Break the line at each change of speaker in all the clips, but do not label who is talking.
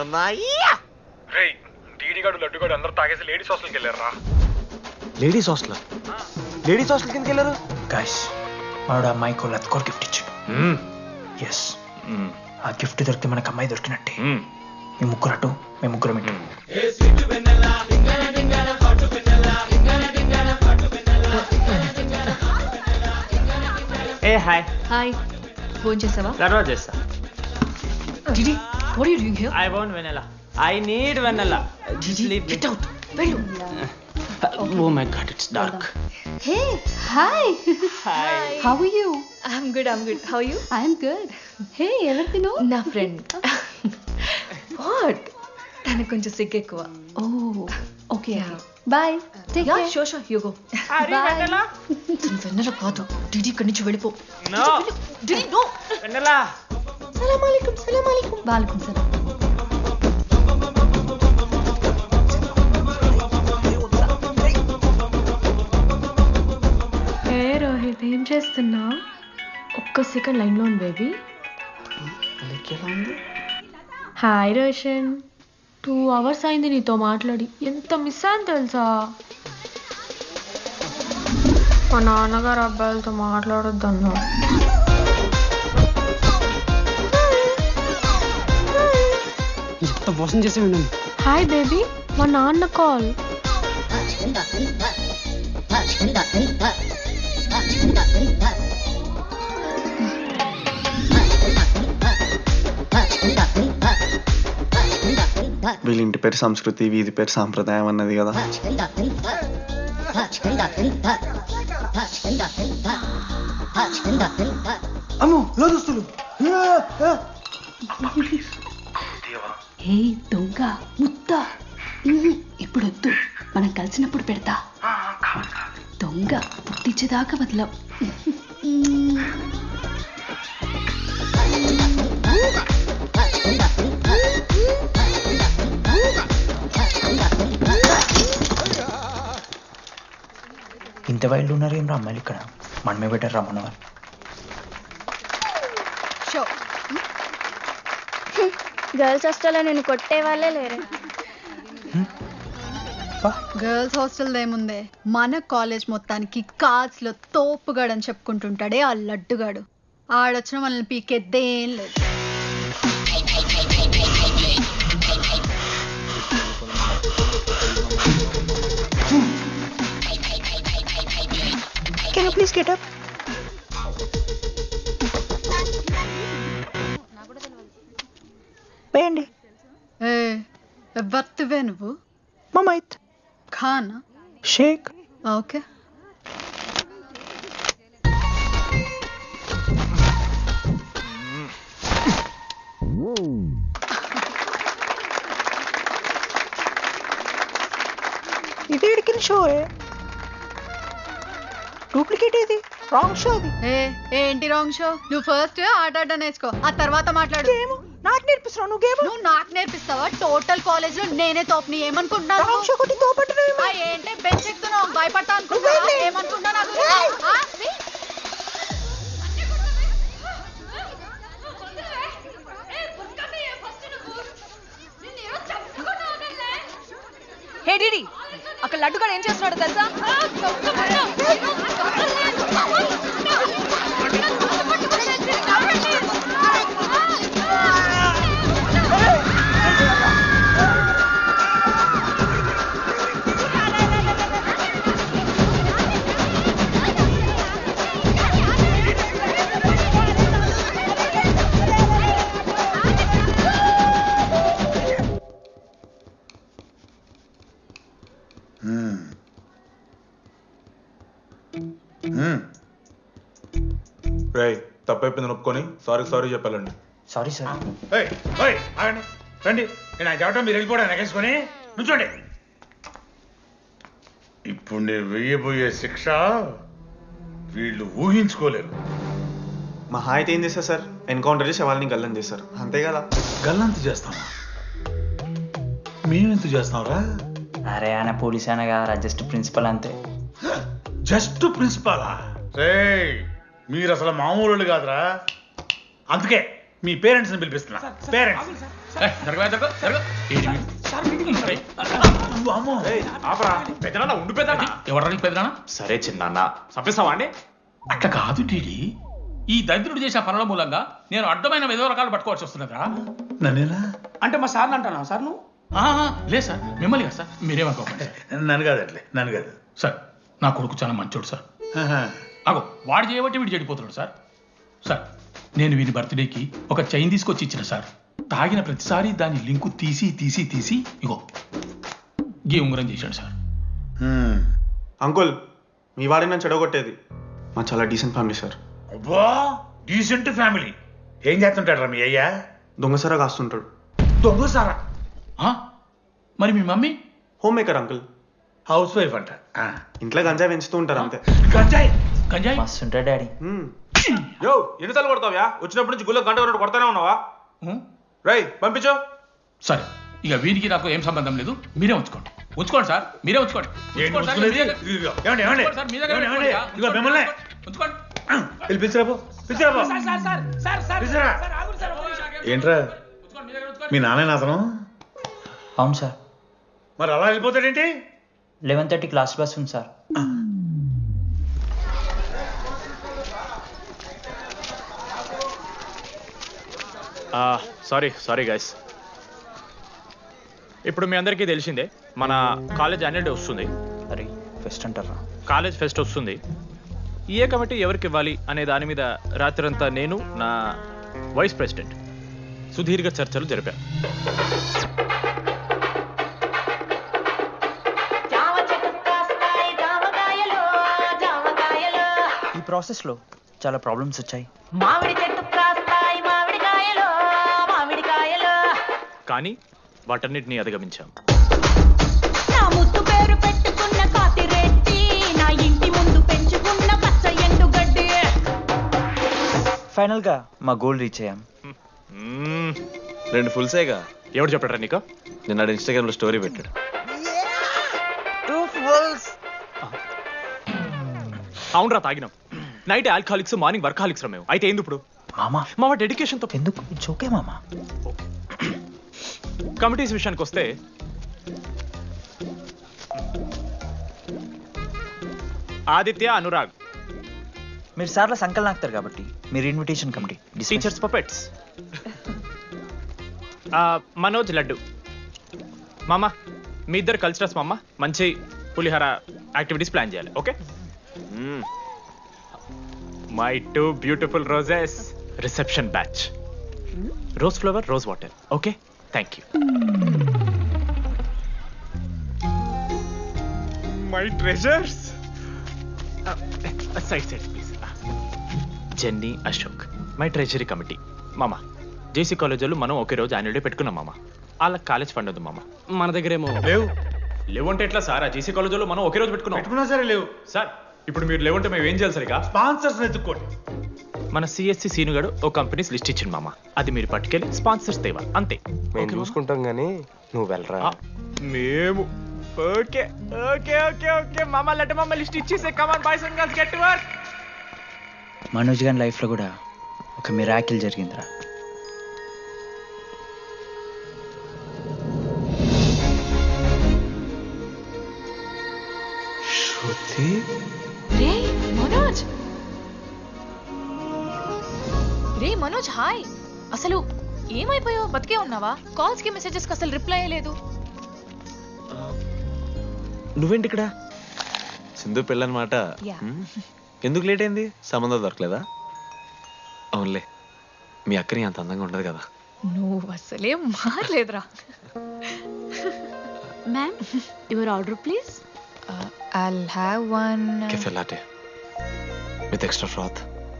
డీడీగాడు లడ్డుగాడు అందరూ తాగేసి లేడీస్ హాస్టల్కి వెళ్ళారా?
లేడీస్ హాస్టల్ కిందకి వెళ్ళారు.
గాయస్ వాడు అమ్మాయికి లత్కోర్ గిఫ్ట్ ఇచ్చాడు. ఎస్, ఆ గిఫ్ట్ దొరికితే మనకు అమ్మాయి దొరికినట్టే. మీ ముగ్గురు అటు, మేము ముగ్గురం ఇటు.
ఏ హాయ్.
హాయ్, ఫోన్ చేసావా?
తర్వాత చేస్తా.
Didi, what are you doing here?
I want vanilla. I need vanilla.
Didi, get out. Veru.
Oh my god, it's dark.
Hey, hi.
Hi.
How are you?
I'm good. How are you?
I'm good. Hey, everything know?
నా friend. What? తనకు కొంచెం సిగ్గు ఎక్కువ.
Oh, okay.
Yeah.
Bye. Take
Yeah,
care.
sure, you go.
Are you
Bye.
vanilla?
తను వెన్నెల కాదు. Didi ఇక్కడి నుంచి వెళ్ళిపో.
No.
Didi, no.
Vanilla.
Salam alaikum. Walaikum salam.
హే రోహిత్, ఏం చేస్తున్నా? ఒక్క సెకండ్ లైన్లో ఉంది బేబీ. హాయ్ రోషన్, 2 hours అయింది నీతో మాట్లాడి. ఎంత మిస్ అని తెలుసా? మా నాన్నగారు అబ్బాయిలతో మాట్లాడొద్దన్నా.
మోసం చేసి విన్నాను.
హాయ్ బేబీ, మా నాన్న కాల్.
వీళ్ళ ఇంటి పేరు సంస్కృతి, వీధి పేరు సాంప్రదాయం అన్నది కదా. అమ్మో లోదుస్తులు.
హే దొంగ ముత్త, ఇప్పుడు వద్దు, మనం కలిసినప్పుడు పెడతా. దొంగ పుట్టించేదాకా వదలవు.
ఇంత వైల్డ్ ఉన్నారు ఏం రా అమ్మాయిలు ఇక్కడ. మనమే బెటర్ రా మనవాళ్ళు.
గర్ల్స్ హాస్టల్లో నేను కొట్టే వాళ్ళే లేరు.
గర్ల్స్ హాస్టల్ ఏముందే, మన కాలేజ్ మొత్తానికి కార్డ్స్ లో తోపుగాడు అని చెప్పుకుంటుంటాడే ఆ లడ్డుగాడు. ఆడొచ్చిన మనల్ని పీకెద్దేం లేదు.
Can you please get up? వేయండి.
ఏ ఎవరివే నువ్వు?
మమైత్
ఖానా?
షేక్.
ఓకే.
ఇది ఎడికిన షో, డూప్లికేట్ ఇది, రాంగ్ షో అది.
ఏంటి రాంగ్ షో? నువ్వు ఫస్ట్ ఆట ఆట నేర్చుకో, ఆ తర్వాత మాట్లాడు.
నాకు నేర్పిస్తున్నావు నువ్వు గేమ్?
నువ్వు నాకు నేర్పిస్తావా? టోటల్ కాలేజ్ లో నేనే తోపుని ఏమనుకుంటున్నావు?
రాంగ్ షో కొట్టి తోపట్టున్నావు.
ఏంటి బెంచ్ ఎక్కుతున్నావు? భయపడతా అనుకుంటున్నావా? ఏమనుకుంటున్నా నాకు?
హే డిడి, అక్కడ లడ్డుగాడు ఏం చేస్తున్నాడు తెలుసా?
తప్పైపోయింది నొప్పుకొని సారీ చెప్పాలండి.
Sorry sir.
రండి, నేను చెప్పడం మీరు వెళ్ళిపోవడం ఎగేసుకొని నుంచోండి.
ఇప్పుడు నేను వెయ్యబోయే శిక్ష వీళ్ళు ఊహించుకోలేరు.
మహా అయితే ఏం చేస్తారు సార్? ఎన్కౌంటర్ చేసి వాళ్ళని గల్లం చేస్తారు, అంతే కదా.
గల్లంత చేస్తావా? మేమెంత చేస్తాంరా?
అరే ఆయన పోలీస్ అయినా కదా, జస్ట్ ప్రిన్సిపల్ అంతే.
జస్ట్ ప్రిన్సిపాలా? రే మీరు అసలు మామూలు కాదురా. అందుకే మీ పేరెంట్స్ని పిలిపిస్తున్నా. పేరెంట్స్
పెద్దనా ఉండు పెద్దనా.
ఎవరు పెద్దనా?
సరే చిన్న చంపేస్తావా అండి?
అట్లా కాదు టీడీ. ఈ దరిద్రుడు చేసిన పనుల మూలంగా నేను అడ్డమైన ఏదో రకాలు పట్టుకోవాల్సి వస్తున్నదా? నన్నేనా
అంటే మా సార్ని అంటానా సార్ నువ్వు?
లేదు సార్, మిమ్మల్ని కదా సార్, మీరేమనుకోకండి. నన్ను కాదు అట్లే, నన్ను కాదు సార్. నా కొడుకు చాలా మంచోడు సార్. అగో వాడు చేయబట్టి వీడు చెడిపోతున్నాడు సార్. సార్ నేను వీడి బర్త్డేకి ఒక చైన్ తీసుకొచ్చి ఇచ్చిన సార్. తాగిన ప్రతిసారి దాని లింకు తీసి తీసి తీసి ఇగో గీ ఉంగరం చేశాడు సార్.
అంకుల్ మీ వాడిని నన్ను చెడగొట్టేది. మా చాలా డీసెంట్ ఫ్యామిలీ సార్.
అబ్బా డీసెంట్ ఫ్యామిలీ. ఏం చేస్తుంటాడు రా మీ అయ్యా?
దొంగసరా కాస్తుంటాడు.
దొంగ సారా? మరి మీ mummy?
Home maker uncle.
House wife అంట.
ఇంట్లో గంజాయి పెంచుతూ ఉంటారు అంతే.
గంజాయి గంజాయి
మస్తు ఉంటాడు డాడీ.
యో ఎన్నిసార్లు కొడతావ్యా? వచ్చినప్పటి నుంచి గుళ్ళ గంట కొట్టు కొడతానే ఉన్నావా? రై పంపించు.
సరే ఇక వీరికి నాకు ఏం సంబంధం లేదు, మీరే ఉంచుకోండి. ఉంచుకోండి సార్, మీరే ఉంచుకోండి. ఏంట్రా మీ నాన్న అతను?
అవును సార్.
మరి అలా వెళ్ళిపోతాడేంటి?
11:30 క్లాస్ బస్ ఉంది సార్.
Sorry guys. ఇప్పుడు మీ అందరికీ తెలిసిందే మన కాలేజ్ యాన్యువల్ డే వస్తుంది.
అరే ఫెస్ట్ అంటారా?
కాలేజ్ ఫెస్ట్ వస్తుంది. ఏ కమిటీ ఎవరికి ఇవ్వాలి అనే దాని మీద రాత్రంతా నేను నా వైస్ ప్రెసిడెంట్ సుదీర్ఘ చర్చలు జరిపాను.
ఈ ప్రాసెస్లో చాలా ప్రాబ్లమ్స్ వచ్చాయి.
కానీ వాటన్నిటిని అధిగమించాం.
ఫైనల్ గా మా గోల్ రీచ్ అయ్యాం.
2 ఫుల్సేగా.
ఎవరు చెప్పారా నీకు?
నిన్న ఇన్స్టాగ్రామ్ లో స్టోరీ పెట్టాడు.
2 ఫుల్స్.
అవునరా తాగినాం. నైట్ ఆల్కహాలిక్స్, మార్నింగ్ వర్కాలిక్స్ రా మేము. అయితే ఏంది ఇప్పుడు? మా డెడికేషన్తో
ఎందుకు? ఇట్స్ ఓకే మామా.
కమిటీస్ విషయానికి వస్తే ఆదిత్య, అనురాగ్.
మీరు సార్ల సంకల్ నాకుతారు కాబట్టి మీరు invitation committee.
Teachers puppets. Manoj, Laddu. మామ మీ ఇద్దరు కల్చరల్స్ మామ. మంచి పులిహార యాక్టివిటీస్ ప్లాన్ చేయాలి. Okay? My 2 beautiful roses. Reception batch. Rose flower, rose water. Okay, thank you. My treasures. Side please. Jenny, Ashok my treasury committee. మామ జేసీ కాలేజ్ వాళ్ళు మనం ఒకే రోజు యాన్యువల్ డే పెట్టుకున్నాం మామ. వాళ్ళకి కాలేజ్ ఫండ్ ఉంది మామ. మన దగ్గర ఏమో లేవంటే ఎట్లా సార్? ఆ జేసీ కాలేజ్ వాళ్ళు మనం ఒకే రోజు పెట్టుకున్నా
సరే లేవు
సార్. ఇప్పుడు మీరు లేవంటే మేము ఏం చేయాలి సరిగా?
స్పాన్సర్స్ ఎత్తుక్కోండి.
మన సిఎస్సి సీనుగాడు ఓ కంపెనీస్ లిస్ట్ ఇచ్చింది మామ. అది మీరు పట్టుకెళ్ళి స్పాన్సర్స్ తేవాలి అంతే.
మేము చూసుకుంటాం గానీ నువ్వు వెళ్ళరా.
మేము ఓకే ఓకే ఓకే ఓకే మామ. లెట్ మామ లిస్ట్ ఇచ్చేసే. Come on boys and girls, get to work.
Manoj గారి లైఫ్లో కూడా ఒక మిరాకిల్ జరిగిందిరా.
శృతి.
రే మనోజ్. రే మనోజ్, హాయ్. అసలు ఏమైపోయావు? బతికే ఉన్నావా? కాల్స్ కి మెసేజెస్ కి అసలు రిప్లై లేదు.
నువ్వేంటి ఇక్కడ? సింధు పెళ్ళనమాట. ఎందుకు లేట్ అయింది? సంబంధం దొరకలేదా? అవునులే, మీ అక్కని అంత అందంగా ఉండదు కదా.
నువ్వు అసలే మారలేదురా.
Ma'am your order please.
I'll have one
Cafe latte with extra froth.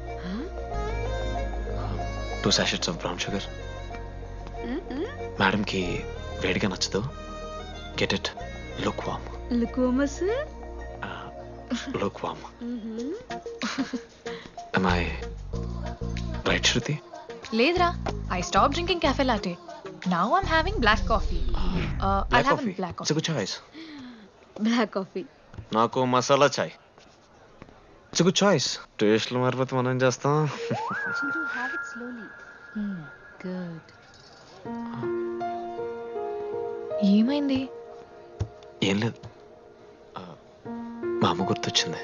2 sachets of brown sugar. Madam కి వేడిగా నచ్చదు. Get it. Look warm. Look warm. Am I right, Shruti?
లేదురా. I stopped drinking cafe latte. Now I'm having black coffee. I'll have a black
It's
coffee.
a good choice.
Black coffee.
నాకు masala chai. It's good choice. టేస్ట్లు మారిపోతే మనం ఏం చేస్తాం?
Have it slowly. Good.
ఏమైంది?
ఏం లేదు మా అమ్మ గుర్తొచ్చింది.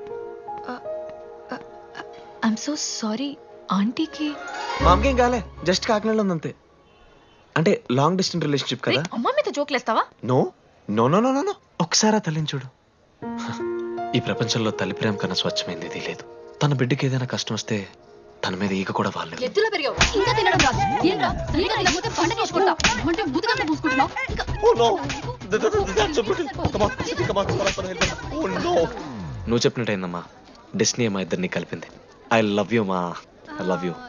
I'm so sorry. ఆంటీకి
మా అమ్మకేం కాలే, జస్ట్ కాకినాడలో ఉందంతే. అంటే లాంగ్ డిస్టెన్స్ రిలేషన్షిప్ కదా.
అమ్మ మీద జోకులేస్తావా?
No no no no no ఒకసారి ఆ తల్లిని చూడు. ఈ ప్రపంచంలో తల్లి ప్రేమ కన్నా స్వచ్ఛమైంది ఇది లేదు. తన బిడ్డకి ఏదైనా కష్టం వస్తే తన మీద ఈగ కూడా వాళ్ళలేదు.
ఎత్తులో పెరిగావు ఇంకా తినడం రాదు. ఏంట్రా సరిగా తినకపోతే పంట చేసుకుంటా అంటే బుద్ధగా పూసుకుంటున్నావు.
నువ్వు చెప్పినట్టయిందమ్మా, డెస్నీ మా ఇద్దరిని కలిపింది. ఐ లవ్ యూ మా, ఐ లవ్ యూ.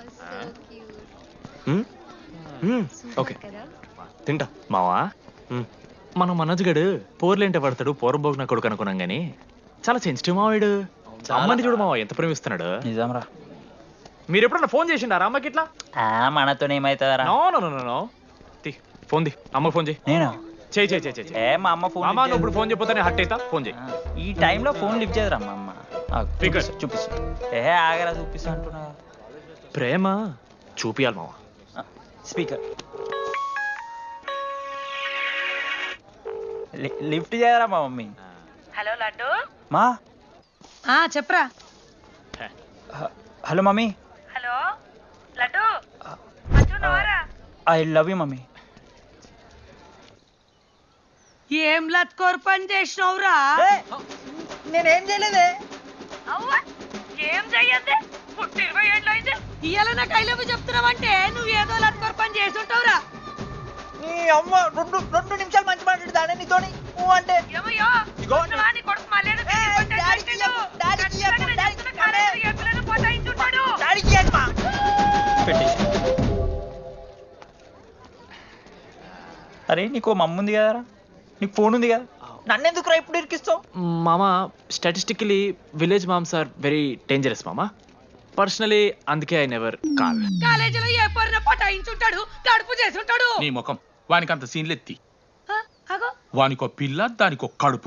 ఓకే తింటా.
మావా మనం మనోజ్ గడు పోర్లేంటే పడతాడు, పోరబోగిన కొడుకు అనుకున్నాం గానీ చాలా సెన్సిటివ్ మావాడు. అమ్మని చూడు మావా ఎంత ప్రేమిస్తున్నాడు.
నిజంరా.
మీరు ఎప్పుడన్నా ఫోన్ చేసిండారా అమ్మకి ఇట్లా?
మనతో ఏమైతుందరా?
నో నో నో నో తి ఫోన్ ది, అమ్మకి ఫోన్ చేయి.
నేను
చేయి చేయి చేయి చేయి.
ఏ మా అమ్మ ఫోన్
అమ్మ నువ్వు ఇప్పుడు ఫోన్ చెప్పితే హట్ అవుతా. ఫోన్ చేయి.
ఈ టైంలో ఫోన్ లిఫ్ట్ చేయదురా మా అమ్మ.
Speaker.
చూపిస్తా. ఏ ఆగరా చూపిస్తా అంటున్నా.
ప్రేమ చూపియాలి మావా.
స్పీకర్ లిఫ్ట్ చేయరా మా మమ్మీ.
హలో లడ్డు.
మా
చెప్పరా.
Hello mummy.
హలో లడ్డు. మంచున్నావారా?
I love you mummy.
ఏం లత్కోర్ పని చేసినవురా?
నేనేం చేయలేదే.
అవ్వ ఏం చెయ్యద్దే. పుట్టి 20 ఏళ్ళు అయితే ఇయ్యాల నాకు ఐ లవ్ యూ చెప్తున్నావంటే నువ్వు ఏదో లత్కోర్ పని చేస్తుంటావురా.
నీ అమ్మ రెండు నిమిషాలు మంచి మాట్లాడుతానే నీతోని అంటే
ఏమయ్యో వస్తున్నావా? నీ కొడుకు మళ్ళీ పోతాయించుంటాడు.
అరే నీకు మమ్మ ఉంది కదరా, నీకు ఫోన్ ఉంది కదా, నన్నెందుకురా ఇప్పుడు ఇరికిస్తావు?
మామా statistically village moms are very dangerous మామా. పర్సనలీ అందుకే ఐ నెవర్ కాల్.
కాలేజీలో ఏ పొరిన పోటాయించుంటాడు, కడుపు చేసుంటాడు.
నీ ముఖం వానికి అంత సీన్లెత్తి,
అగో
వానికో పిల్ల దానికో కడుపు.